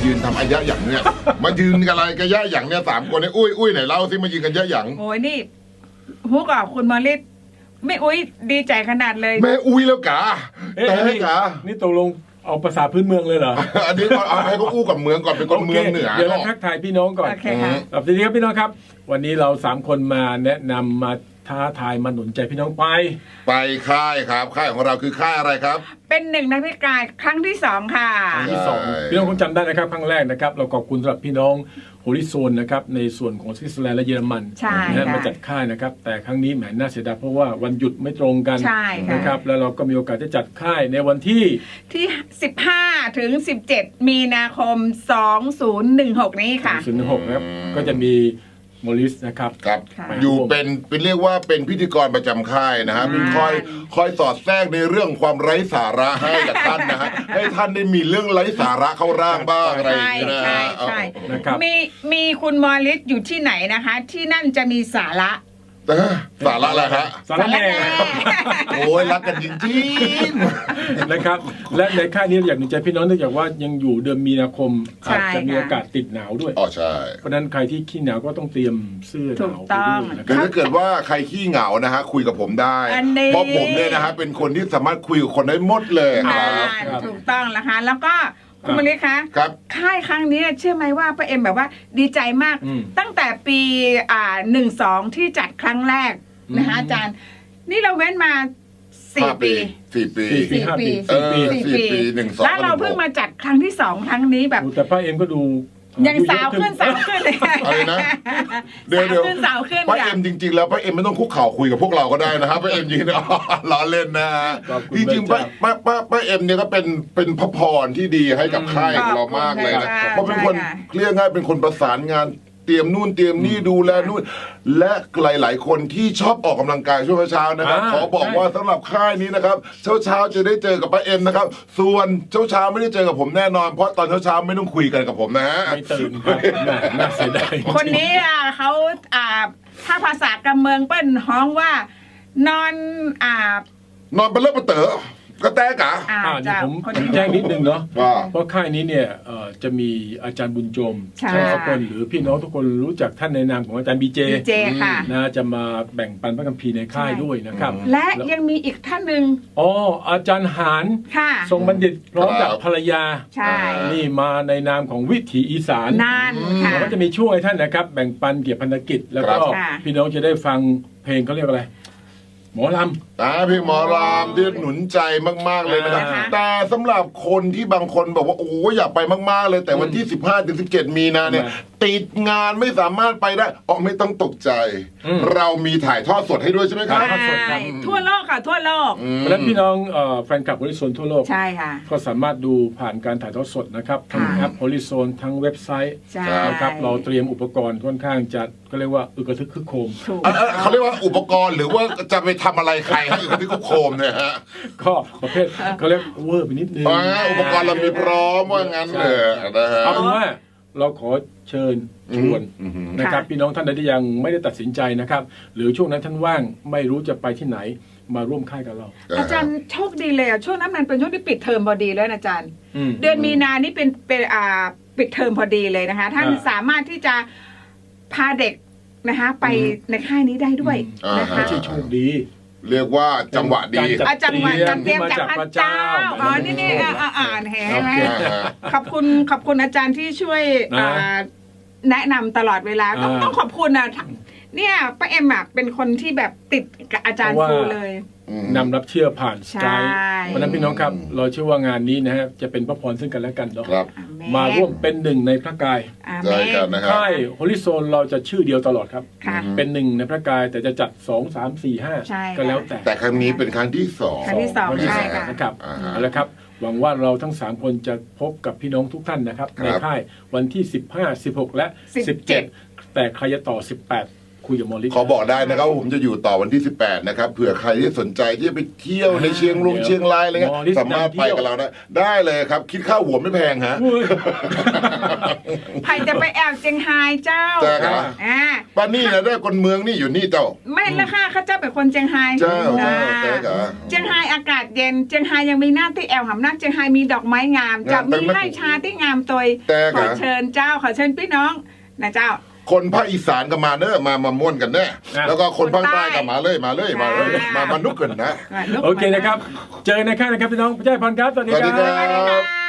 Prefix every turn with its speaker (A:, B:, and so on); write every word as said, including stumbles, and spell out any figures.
A: ยืนทำอายะอย่างเนี่ยมายืนกันอะไรกันยะอย่างเนี่ยสามคนเนี่ยอุ้ยอุ้ยไหนเล่าสิมายืนกันยะอย่าง
B: โอ้ยนี่ฮุกอ่ะคุณมาริสไม่อุ้ยดีใจขนาดเลย
A: แม่อุ้ยแล้วกะแต่ให้กะ
C: นี่ตกลงเอาภาษาพื้นเมืองเลยเหรอ
A: อันนี้เอาให้เขาอู้กับเมืองก่อนเป็นคนเมืองเหนือ
C: เดี๋ยวเราทักทายพี่น้องก่อนครับทีนี้ครับพี่น้องครับวันนี้เราสามคนมาแนะนำมาท้าทายมาหนุนใจพี่น้องไป
A: ไปค่ายครับค่ายของเราคือค่ายอะไรครับ
B: เป็นหนึ่งในพิการครั้งที่สองค่ะ
C: ครั้งที่สองพี่น้องคงจำได้นะครับครั้งแรกนะครับเราขอบคุณสำหรับพี่น้องโฮลิโซนนะครับในส่วนของสวิตเซอร์แลนด์และเยอรมันนะมาจัดค่ายนะครับแต่ครั้งนี้แหมน่าเสียดายเพราะว่าวันหยุดไม่ตรงกันนะครับแล้วเราก็มีโอกาสจะจัดค่ายในวันที่
B: ที่สิบห้าถึงสิบเจ็ดมีนาคมสองพันสิบหกนี้ค่ะ
C: สองพันสิบหกนะครับก็จะมีโมลิสนะครับ
A: ครับอยู่เป็นเป็นเรียกว่าเป็นพิธีกรประจำค่ายนะฮะเป็นคอยคอยสอดแทรกในเรื่องความไร้สาระให้กับท่านนะฮะให้ท่านได้มีเรื่องไร้สาระเข้าร่างบ้างอะไรอย่างเงี้ยนะ
B: ใช่ใช่มีมีคุณมอริสอยู่ที่ไหนนะคะที่นั่นจะมีสาระ
A: สาระอะไรฮะ
C: สาระแน่
A: โอ้ยรักกันจริง
C: ๆนะครับและในค่ายนี้อยากหนุนใจพี่น้องเนื่องจากว่ายังอยู่เดือนมีนาคมอาจจะมีอากาศติดหนาวด้วย
A: อ๋อใช่
C: เพราะนั้นใครที่ขี้หนาวก็ต้องเตรียมเสื้อหนาว
B: ไปด้วย
A: นะครับถ้าเกิดว่าใครขี้เหงานะฮะคุยกับผมได้เพราะผมเนี่ยนะฮะเป็นคนที่สามารถคุยกับคนได้หมดเลย
B: ถูกต้องแล้วค่ะแล้วก็คุณมริคะ
A: ครับ
B: ค่ายครั้งนี้เชื่อไหมว่าป้าเอ็มแบบว่าดีใจมากตั้งแต่ปีอ่าหนึ่งสองที่จัดครั้งแรกนะคะอาจารย์นี่เราเว้นมาสี่ปี
A: สี่ปี
C: สี่ปี
A: สี่ปีสี่ปีหนึ่งสอง
B: แล้วเราเพิ่งมาจัดครั้งที่สองครั้งนี้แบบ
C: แต่ป้าเอ็มก็ดู
B: ยังสาวขึ้นสาวขึ้นเลย
A: อะไรนะ
B: เดี๋ยวเดี๋ยวสาวขึ้น
A: ป้าเอ็มจริงๆแล้วป้าเอ็มไม่ต้องคุกเข่าคุยกับพวกเราก็ได้นะครับป้าเอ็มยืนล้อเล่นนะจริงๆป้าป้าป้าป้าเอ็มเนี่ยก็เป็นเป็นพระพรที่ดีให้กับค่ายของเรามากเลยนะเพราะเป็นคนเรียกง่ายเป็นคนประสานงานเตรียมนู่นเตรียมนี่ดูแลนู่นและหลายๆคนที่ชอบออกกำลังกายช่วงเช้านะครับขอบอกว่าสำหรับค่ายนี้นะครับเช้าเช้าจะได้เจอกับป้าเอ็มนะครับส่วนเช้าเช้าไม่ได้เจอกับผมแน่นอนเพราะตอนเช้าเช้าไม่ต้องคุยกันกับผมนะฮะ
C: ไม่ตื่นครับน่าเสียดาย
B: คนนี้อ่ะเขาอ่าถ้าภาษากำเมืองเปิ้นฮ้องว่านอนอ่าน
A: อนเป็นเลิศประเต๋อกระแตกะ
C: อ่าเดี๋ยวผมแจ้งนิดนึงเนาะเพราะค่ายนี้เนี่ยจะมีอาจารย์บุญจมช่างสกลหรือพี่น้องทุกคนรู้จักท่านในนามของอาจารย์บีเจนะจะมาแบ่งปันพระคัมภีร์ในค่ายด้วยนะครับ
B: และยังมีอีกท่านหนึ่ง
C: อ๋ออาจารย์หานทรงบัณฑิตพร้อมกับภรรยา
B: ใช่
C: นี่มาในนามของวิถีอีสาน
B: นั่นค่ะ
C: แล้วก็จะมีช่วยท่านนะครับแบ่งปันเกี่ยวกับพันธกิจแล้วก็พี่น้องจะได้ฟังเพลงเขาเรียกอะไรหมอลำ
A: อ่าพี่หมอลำที่หนุนใจมากๆเลยนะครับแต่สำหรับคนที่บางคนบอกว่าโอ้อยากไปมากๆเลยแต่วันที่สิบห้าถึงสิบเจ็ดมีนาเนี่ยติดงานไม่สามารถไปได้อ๋อไม่ต้องตกใจเรามีถ่ายทอดสดให้ด้วยใช่ไหมครับ
B: ทั่วโลกค่ะทั่วโลก
C: และพี่น้องแฟนคลับโฮลิโซนทั่วโลก
B: ใช่ค่ะ
C: ก็สามารถดูผ่านการถ่ายทอดสดนะครับทั้งแอปโฮลิโซนทั้งเว็บไซต์นะครับเราเตรียมอุปกรณ์ค่อนข้างจะก็เรียกว่าอึกระทึกคึกโครม
A: เขาเรียกว่าอุปกรณ์หรือว่าจะไปทำอะไรใครให้อึกระทึกคึกโครมเนี่ยฮะ
C: ก็ประเภทเขาเรียกเวอร์ไปนิดนึง
A: อุปกรณ์เรามีพร้อมว่างั้นเลยนะฮะ
C: เอาเป็นว่าเราขอเชิญชวนนะครับพี่น้องท่านใดที่ยังไม่ได้ตัดสินใจนะครับหรือช่วงนั้นท่านว่างไม่รู้จะไปที่ไหนมาร่วมค่ายกับเรา
B: อาจารย์โชคดีเลยอ่ะช่วงนั้นมันเป็นช่วงที่ปิดเทอมพอดีเลยอาจารย์เดือนมีนานี่เป็นเป็นอ่าปิดเทอมพอดีเลยนะคะท่านสามารถที่จะพาเด็กนะคะไปในค่ายนี้ได้ด้วยนะคะ
C: โชคดี
A: เรียกว่าจังหวะดี
B: จังหวะจัดเตรียมจากพระเจ้าอ๋อนี่นี่อ่านเห็นไหมขอบคุณขอบคุณอาจารย์ที่ช่วยแนะนำตลอดเวลาต้องต้องขอบคุณนะเนี่ยป้าเอ็มเป็นคนที่แบบติดกับอาจารย์ครูเลย
C: นำรับเชื่อผ่านสกายเพราะนั้นพี่น้องครับเราเชื่อว่างานนี้นะฮะจะเป็นพระพรซึ่งกันและกันเนาะมาร่วมเป็นหนึ่งในพระกายค่ายโฮลิโซนเราจะชื่อเดียวตลอดครับเป็นหนึ่งในพระกายแต่จะจัดสองสามสี่ห้าก็แล้วแต่
A: แต่ครั้งนี้เป็นครั้งที่สอง
B: ครั้งที่สองใช่ค่ะ
C: นะครับเอาละครับหวังว่าเราทั้งสามคนจะพบกับพี่น้องทุกท่านนะครับในค่ายวันที่สิบห้า สิบหกและสิบเจ็ดแต่ใครจะต่อสิบแปดคุยกับหมอฤทธิ์
A: ขอบอกได้นะครับผมจะอยู่ต่อวันที่สิบแปดนะครับเผื่อใครที่สนใจที่จะไปเที่ยวในเชียงรุงเชียงรายอะไรเงี้ยสามารถไปกับเราได้ได้เลยครับคิดค่าหัวไม่แพงฮะ
B: ใครจะไปแอลเจียงไฮ้เจ้า
A: เจ้าครับ
B: อ่า
A: ป้านี่นะได้คนเมืองนี่อยู่นี่เจ้า
B: ไม่ละค่ะข้าเจ้าเป็นคนเจียงไฮ้
A: เจ้าเจ้า
B: อ่า
A: เจ้าครับ
B: เจียงไฮ้อากาศเย็นเจียงไฮ้ยังมีหน้าที่แอลหำนักเจียงไฮ้มีดอกไม้งามจะ
A: งามแต่
B: มี
A: ไม่
B: ไร่ชาที่งามตัว
A: แต่
B: ข
A: ครั
B: อบ เชิญเจ้าขอเชิญพี่น้องนะเจ้า
A: คนภาคอีสานก็มาเนอะมามาม่วนกันแน่แล้วก็คนภาคใต้ก็มาเลยมาเลยมาเลยมามานุกกันนะ
C: โอเคนะครับ เจอในค่ายนะครับพี่น้องพระเจ้าพรครับสวัสดี
A: สวัสดี
C: ค
A: ครั
C: รับ
B: สวัสดีค่ะ